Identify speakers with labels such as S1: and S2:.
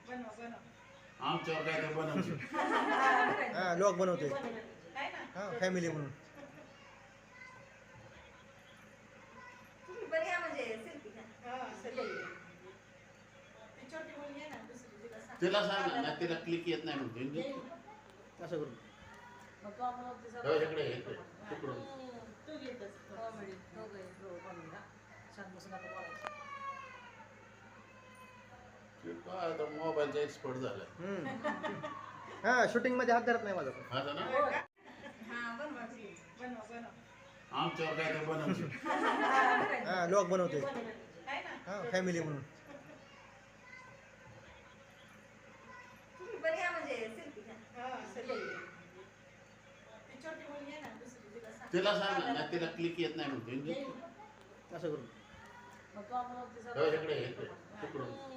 S1: आमच्यावर काय तर बनवते.
S2: हा लॉग बनवते हा फॅमिली म्हणून.
S1: तिला सांग ना, तिला क्लिक येत नाही म्हणते.
S2: असं करू.
S1: इकडे तिकडून काय आता मोबाईलचा एक्सपर्ट झालाय.
S2: हा शूटिंग मध्ये हात धरत नाही माझा.
S1: आता ना आमच्यावर काय तर बनवते.
S2: हा लॉग बनवते हा फॅमिली म्हणून.
S1: तिला सांग ना, तिला क्लिक येत नाही म्हणते.
S2: असं करू.
S1: इकडे तिकडून